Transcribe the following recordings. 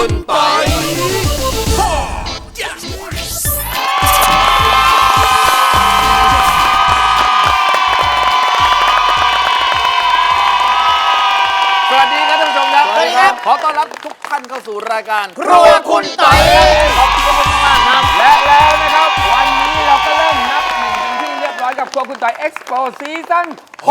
คุณปอยสวัสดีครับท่านผู้ชมครับสวัสดีครับขอต้อนรับทุกท่านเข้าสู่รายการครัวคุณปอยขอบคุณมากครับและแล้วนะครับวันนี้เราก็เริ่มนับหนึ่งเป็นที่เรียบร้อยกับครัวคุณต่อยเอ็กซ์โปซีซั่น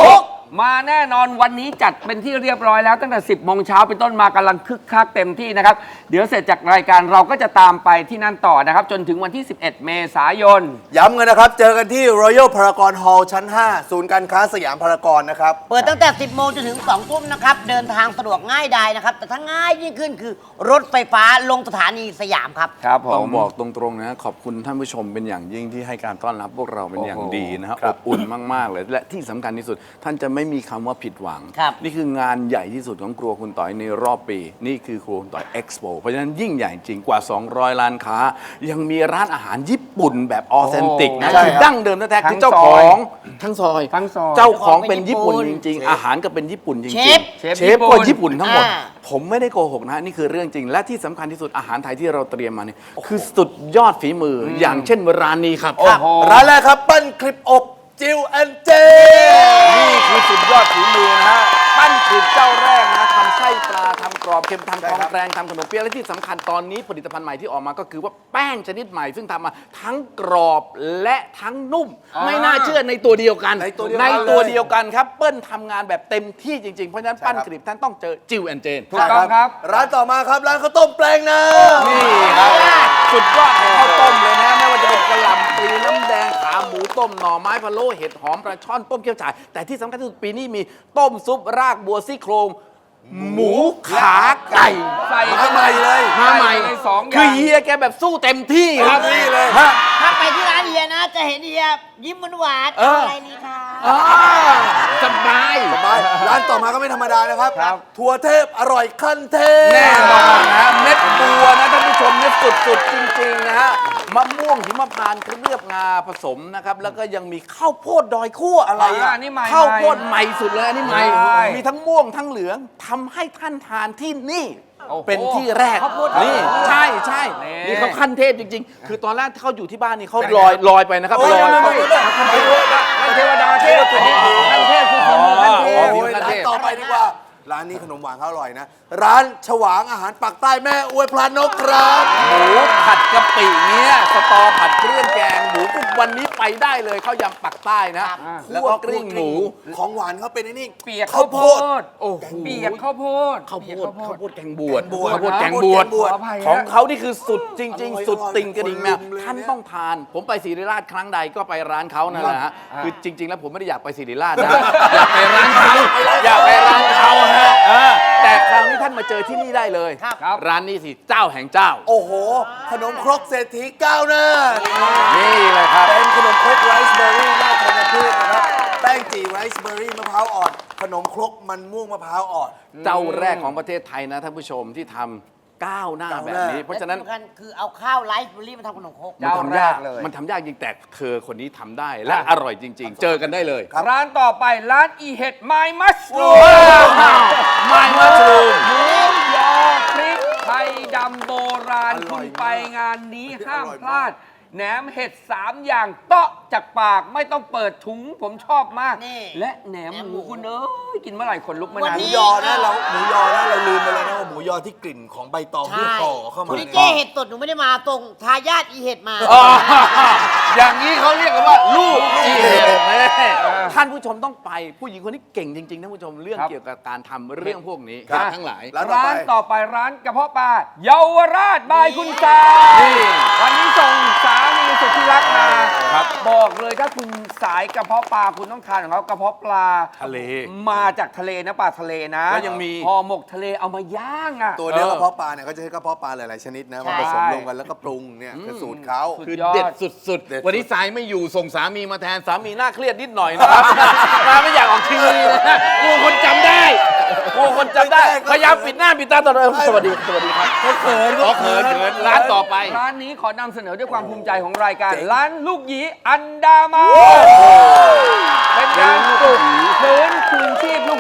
6มาแน่นอนวันนี้จัดเป็นที่เรียบร้อยแล้วตั้งแต่ 10 โมงเช้าเป็นต้นมากำลังคึกคักเต็มที่นะครับเดี๋ยวเสร็จจากรายการเราก็จะตามไปที่นั่นต่อนะครับจนถึงวันที่ 11 เมษายนย้ำกันนะครับ เจอกันที่ Royal Paragon Hall ชั้น 5 ศูนย์การค้าสยามพารากอนนะครับเปิดตั้งแต่ 10 โมงจนถึง 2 ทุ่มนะครับ เดินทางสะดวกง่ายดายนะครับ แต่ถ้าง่ายยิ่งขึ้นคือรถไฟฟ้าลงสถานีสยามครับครับผต้อมงบอกตรงๆนะขอบคุณท่านผู้ชมเป็นอย่างยิ่งที่ให้การต้อนรับพวกเราเป็นอย่างดีนะครับครัอบ บอุ่นมากๆเลยและที่สำคัญที่สุดท่านจะไม่มีคำว่าผิดหวังครับนี่คืองานใหญ่ที่สุดของครัวคุณต่อยในรอบปี นี่คือครัวคุณต่อยเอ็กซ์โปเพราะฉะนั้นยิ่งใหญ่จริงกว่า 200 ร้านค้า ยังมีร้านอาหารญี่ปุ่นแบบออเทนติกนะใช่คือครับดั้งเดิมแท้ๆทั้คืงอเจ้าซขอยองทั้งซอยทั้งซอยเจ้าของเป็นญี่ปุ่นจริงเชฟๆ อาหารก็เป็นญี่ปุ่นจริงเชฟๆเชฟเชฟก็ญี่ปุ่นทั้งหมดอ่าผมไม่ได้โกหกนะนี่คือเรื่องจริง และที่สำคัญที่สุดอาหารไทยที่เราเตรียมมาเนี่ยคือสุดยอดฝีมืออย่างเช่นร้านนี้ครับโอ้โหร้านแรกครับ ปั้นคลิปอบจิวแอนเจนี่คือสุดยอดฝีมือนะฮะปั้นคือเจ้าแรกนะทำไส้ปลาทำกรอบเค็มทำทองแกรงทำขนมเปี๊ยะและที่สำคัญตอนนี้ผลิตภัณฑ์ใหม่ที่ออกมาก็คือว่าแป้งชนิดใหม่ซึ่งทำมาทั้งกรอบและทั้งนุ่ม ไม่น่าเชื่อในตัวเดียวกันในตัวเดียวกันในตัวเดียวกันครับเปิ้ลทำงานแบบเต็มที่จริงๆเพราะฉะนั้นปั้นคลิปท่านต้องเจอจิวแอนเจนถูกต้องครับร้านต่อมาครับ ร้านข้าวต้มแปลงนานี่ครับสุดยอดของข้าวต้มเลยนะไม่ว่าจะเป็นกะหล่ำปลีน้ำแดงขาหมูต้มหน่อไม้พะโล้เห็ดหอมปลาช่อนต้มเกี๊ยวฉ่ายแต่ที่สำคัญที่สุดปีนี้มีต้มซุปรากบัวซี่โครงหมูขาไก่ใส่มาใหม่เลยมาใหม่ในสองอย่างคือเฮียแกแบบสู้เต็มที่ครับเต็มที่เลยฮะถ้าไปที่ร้านเฮียนะ จะเห็นเฮียยิ้มหวานๆเอออะไรนี่คะอ่าสบายสบายร้านต่อมาก็ไม่ธรรมดานะครับ ถั่วเทพอร่อยขั้นเทพแน่นอนนะเม็ดบัวนะท่านผู้ชมเนี่ยสุดๆจริงๆนะฮะมะม่วงหิมพานต์เคลือบงาผสมนะครับแล้วก็ยังมีข้าวโพดดอยคั่วอะไรอ่านี่ใหม่ข้าวโพดใหม่สุดเลยอันนี้ใหม่ใช่มีทั้งม่วงทั้งเหลืองทำให้ท่านทานที่นี่โอ้โหเป็นที่แรกข้าวโพดนี่ใช่ใช่นี่นี่เขาขั้นเทพจริง ๆ คือตอนแรกที่เขาอยู่ที่บ้านนี่เขาเป็นไงลอยไปนะครับโอ้ยลอยไม่เขาท่านเทวดาเทพอันนี้ท่านเทพคือฝีมือท่านเทพโอ้ยร้านต่อไปดีกว่า ร้านนี้ขนมหวานเขาอร่อยนะ ร้านฉวางอาหารปักใต้แม่อวยพลานกครับหมูผัดกะปิเนี่ยสตอผัดเครื่องแกงหมูกุ๊กวันนี้ไปได้เลยข้าวยำปักใต้นะแล้วคั่วก็กลิ้งหมูของหวานเขาเป็นไอ้นี่เปียกข้าวโพดโอ้โหเปียกข้าวโพดข้าวโพเปียดกข้าวโพดแกงบวชแกงบวชข้าวโพดแกงบวชแกงบวชขออภัยของฮะเขานี่คือสุดจริงอร่อยๆ สุดติ่งกระดิ่งแมวคนลุมเลยท่านต้องทาน ผมไปศิริราชครั้งใดก็ไปร้านเขานั่นแหละฮะคือจริง ๆ แล้วผมไม่ได้อยากไปศิริราชนะ อยากไปร้านเขาอยากไปร้านเขาฮะแต่คราวนี้ท่านมาเจอที่นี่ได้เลยครับร้านนี้สิเจ้าแห่งเจ้าโอ้โห ขนมครกเศรษฐีก้าวหน้านี่เลยครับเป็นขนมครกไรซ์เบอร์รี่หน้าธัญพืชนะครับ แป้งจีไรซ์เบอร์รี่มะพร้าวอ่อน ขนมครกมันม่วงมะพร้าวอ่อนเจ้าแรกของประเทศไทยนะท่านผู้ชมที่ทำก้าวหน้าแบบนี้ เพราะฉะนั้นและที่สำคัญคือเอาข้าวไรซ์เบอร์รี่มาทำขนมครกมันทำยากเจ้าแรกเลยมันทำยากจริงแต่เธอคนนี้ทำได้และอร่อยจริง ๆ เจอกันได้เลยร้านต่อไปร้านอีเห็ดไมมัสลูไม่มาชูมหมูยอพริกไทยดำโบราณอร่คุอยณมากไปงานนี้ห้ามอร่อยพมากลาด แหนมเห็ด 3 อย่างเตาะจากปากไม่ต้องเปิดถุงผมชอบมากนี่และแหนมหมูคุณเอ้ยกินเมื่อไหร่คนลุกเมื่อวันนั้นหมูนี้ยอนะเราหมูยอนะเราลืมไปเลยนะว่าหมูยอที่กลิ่นของใบตองที่ห่อเข้ามาคุณเนี่ยเจ้เห็ดสดหนูไม่ได้มาตรงทายาทอีเห็ดมาอ๋ออย่างนี้เขาเรียกกันว่าลูกอีเห็ดแม่ท่านผู้ชมต้องไปผู้หญิงคนนี้เก่งจริงๆท่านผู้ชมเรื่องครับเกี่ยวกับการทำเรื่องพวกนี้ครับทั้งหลายร้านต่อไปร้านต่อไปร้านกระเพาะปลาเยาวราชบายคุณสานี่วันนี้ส่งสามีสุดที่รักมาครับบอกเลยถ้าคุณสายกระเพาะปลาคุณต้องทานของเขากระเพาะปลาทะเลมาจากทะเลนะปลาทะเลนะแล้วยังมีห่อหมกทะเลเอามาย่างอ่ะตัวเนื้อกระเพาะปลาเนี่ยเขาจะใช้กระเพาะปลาหลายๆชนิดนะมาผสมรวมกันแล้วก็ปรุงเนี่ยคือสูตรเขาคือสุดยอดเด็ดสุดเด็ดสุดๆ วันนี้สายไม่อยู่ส่งสามีมาแทนสามีน่าเครียดนิดหน่อยนะครับ มาไม่อยากออกทีวีนะกลัวคนจำได้กลัวคนจำได้ พยายามปิดหน้าปิดตาตลอดสวัสดีครับเขินเขินร้านต่อไปร้านนี้ขอนำเสนอด้วยความภูมิใจของรายการ ร้านลูกหยีอันดามันเป็นการปลุกฟื้นคืนชีพลูกหยีอีกครั้ง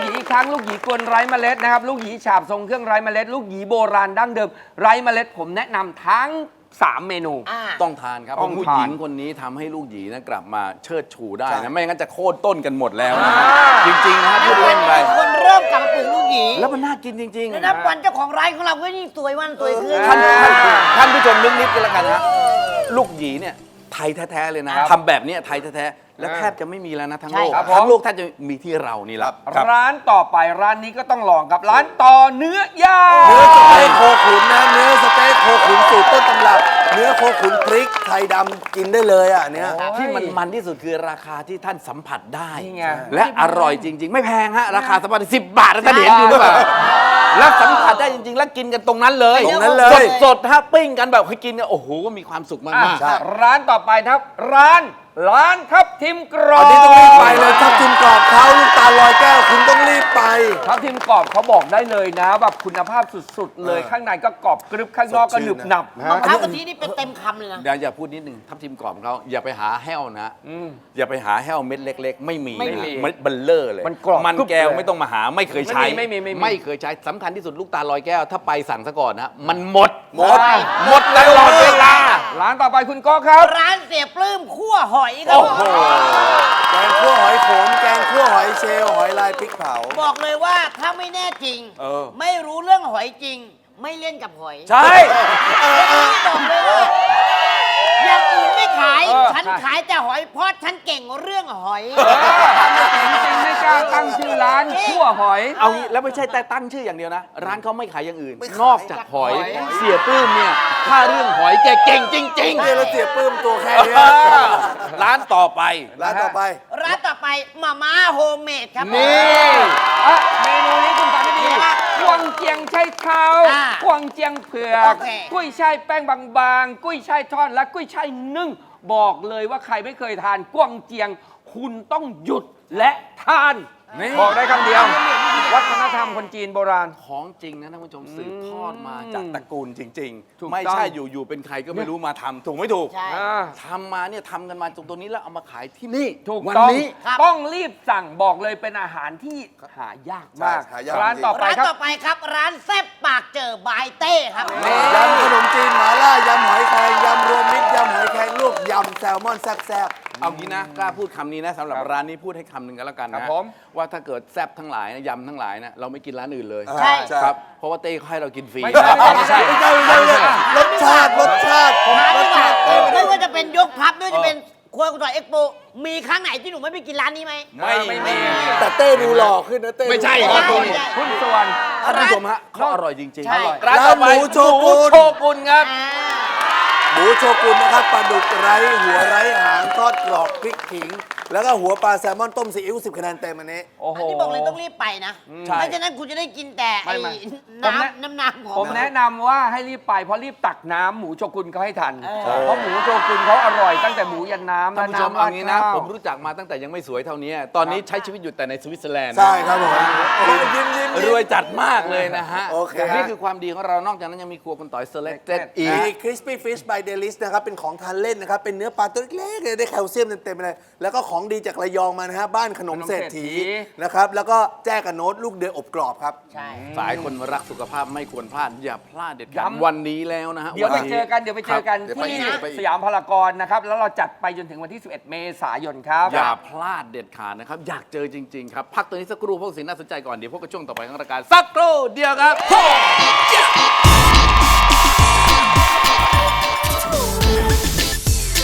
ทั้งลูกหยีกวนไร้เมล็ดนะครับลูกหยีฉาบทรงเครื่องไร้เมล็ดลูกหยีโบราณดั้งเดิมไร้เมล็ดผมแนะนำทั้ง3 เมนูต้องทานครับต้องผู้ทานหญิงคนนี้ทำให้ลูกหยีนะกลับมาเชิดชูได้นะไม่งั้นจะโค่นต้นกันหมดแล้วนะจริงๆนะพูดเล่นไปคนเริ่มกลับมาปลูกลูกหยีแล้วมันน่ากินจริงแล้วนับวันเจ้าของร้านของเราก็ยิ่งสวยวันสวยขึ้นท่านผู้ชมนึกนิดกันแล้วกันนะลูกหยีเนี่ยไทยแท้ๆเลยนะทำแบบเนี้ยไทยแท้ๆและแทบจะไม่มีแล้วนะทั้งโลกใช่ครับทั้งโลกแทบจะมีที่เรานี่แหละร้านต่อไปร้านนี้ก็ต้องลองครับร้านต่อเนื้อย่างเนื้อสเต๊กโคขุนนะเนื้อสเต๊กโคขุนสูตรต้นตำรับ เนื้อโคขุนพริกไทยดำกินได้เลยอ่ะเนี้ยที่มันที่สุดคือราคาที่ท่านสัมผัสได้นี่ไงและอร่อยจริง ๆ ไม่แพงฮะราคาสัมผัส10 บาทนะท่านเห็นอยู่หรือเปล่าแล้วสัมผัสได้จริง ๆ แล้วกินกันตรงนั้นเลยตรงนั้นเลยสดๆฮะปิ้งกันแบบให้กินเนี่ยโอ้โหมีความสุขมากอ่ะร้านต่อไปครับ ร้านทับทิมกรออับนนี้ต้องรีบไปเลยทับทิมกรอบเขาลูกตาลลอยแก้วคุณต้องรีบไปทับทิมกรอบเขาบอกได้เลยนะแบบคุณภาพสุดๆ เลยข้างในก็กรอบกรึบข้างนอกก็หนึบหนับมะพร้าวกะทินี่เป็นเต็มคำเลยนะเดี๋ยวอย่าพูดนิดนึงทับทิมกรอบของเขาอย่าไปหาแห้วนะอย่าไปหาแห้วเม็ดเล็ก ๆ ไม่มีไม่มีเม็ดเบลเลอร์เลยมันกรอบมันกรุบแก้วเลยไม่ต้องมาหาไม่เคยใช้ไม่มีไม่เคยใช้สำคัญที่สุดลูกตาลลอยแก้วถ้าไปสั่งซะก่อนนะมันหมดหมดหมดตลอดเวลาร้านต่อไปคุณก็ครับร้านเสียปลื้มคั่วหอยครับผมแกงคั่วหอยโขมแกงคั่วหอยเชลล์หอยลายพริกเผาบอกเลยว่าถ้าไม่แน่จริง ไม่รู้เรื่องหอยจริง ไม่เล่นกับหอยใช่บอกเลยว่าอย่างอื่นไม่ขาย ฉันใช่ขายแต่หอยเพราะฉันเก่งเรื่องหอยจริงๆไม่กล้าตั้งชื่อร้านคั่วหอยเอางี้แล้วไม่ใช่แต่ตั้งชื่ออย่างเดียวนะ ร้านเขาไม่ขายอย่างอื่นไม่ขายนอกจากหอยหอยเสียปื้มเนี่ยถ้าเรื่องหอยแกเก่งจริงเนี่ยเราเสียปลื้มตัวแค่เนี้ยร้านต่อไปร้านต่อไปร้านต่อไปมาม่าโฮมเมดครับผมนี่อ่ะเมนูนี้คุณฟังให้ดีกวางเจียงไช่เท้าอ่ากวางเจียงเผือกโอเคกุ้ยช่ายแป้งบางๆ กุ้ยช่ายทอดและกุ้ยช่ายนึ่ง บอกเลยว่าใครไม่เคยทานกวางเจียง คุณต้องหยุดและทานนี่บอกได้คำเดียว วัฒนธรรมคนจีนโบราณของจริงนะท่านผู้ชมสืบทอดมาจากตระกูลจริงถูกๆ ไม่ต้องใช่อยู่ๆเป็นใครก็ไม่รู้มาทำถูกไม่ถูกใช่อ่าทำมาเนี่ยทำกันมาตรงนี้แล้วเอามาขายที่นี่ถูกวันต้องนี้ครับต้องรีบสั่งบอกเลยเป็นอาหารที่หายากมากใช่หายากร้านจริงต่อไปร้านครับต่อไปครับ ร้านแซ่บปากเจอบายเต้ครับยำขนมจีนหม่าล่ายำหอยแครงยำรวมมิตรยำหอยแครงลวกยำแซลมอนแซ่บเอางี้นะกล้าพูดคำนี้นะสำหรับร้านนี้พูดให้คำหนึ่งกันแล้วกันครันะบผมว่าถ้าเกิดแซ่บทั้งหลายนะยำทั้งหลายนะเราไม่กินร้านอื่นเลยๆใช่ครับเพราะว่าเต้เขาให้เรากินฟรีไม่ใช่ไม่ใช่ไม่ใช่รสชาติถามดีกว่าไม่ว่าจะเป็นยกพับไม่ว่าจะเป็นครัวคุณต่อยเอ็กโปมีครั้งไหนที่หนูไม่ไปกินร้านนี้ไหมไม่มีแต่เต้ดูหล่อขึ้นนะเต้ไม่ใช่ดูหล่อครับขึ้นหุ้นส่วนท่านผู้ชมฮะเขาอร่อยจริงใช่ร้านต่อไปร้านหมูโชกุนหมูโชกุนครับหมูโชกุนนะครับปลาดุกไร้หัวไร้หางทอดกรอบพริกขิง แล้วก็หัวปลาแซลมอนต้มซีอิ๊ว10 คะแนนเต็มอันนี้โอ้โหอันนี้บอกเลยต้องรีบไปนะใช่ไม่ฉะนั้นคุณจะได้กินแต่ไอ้ไม่น้ำของผมแนะนำว่าให้รีบไปเพราะรีบตักน้ำหมูโชกุนเขาให้ทันเออเพราะหมูโชกุนเขาอร่อยตั้งแต่หมูยันน้ำท่านผู้ชมและเอางี้นะราดข้าวผมรู้จักมาตั้งแต่ยังไม่สวยเท่านี้ ตอนนี้ใช้ชีวิตอยู่แต่ในสวิตเซอร์แลนด์นะใช่ครับผมยิ้มรวยจัดมากเลยนะฮะโอเคนี่คือความดีของเรานอกจากนั้นยังมีครัวคุณต่อย selected อีมีก crispy fish by Delis นะครับ เป็นของทานเล่นนะครับ เป็นเนื้อปลาตัวเล็กๆเลยได้แคลเซียมเต็มๆเลย แล้วก็ของดีจากระยองมานะฮะบ้านขนมเศรษฐีนะครับ แล้วก็แจ้กับโน้ตลูกเดือยอบกรอบครับใช่สายคนรักสุขภาพไม่ควรพลาด อย่าพลาดเด็ดขาดวันนี้แล้วนะฮะเดี๋ยวไปนนี้เจอกันที่สยามพารากอนนะครับ แล้วเราจัดไปจนถึงวันที่ 11 เมษายนครับอย่าพลาดเด็ดขาดนะครับ อยากเจอจริง ๆ ครับ พักตัวนี้สักครู่พวกสิ่งน่าสนใจก่อน เดี๋ยวพบกับช่วงต่อไปของรายการสักครู่เดียวครับ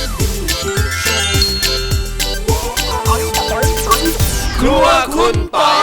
ครัวคุณต่อย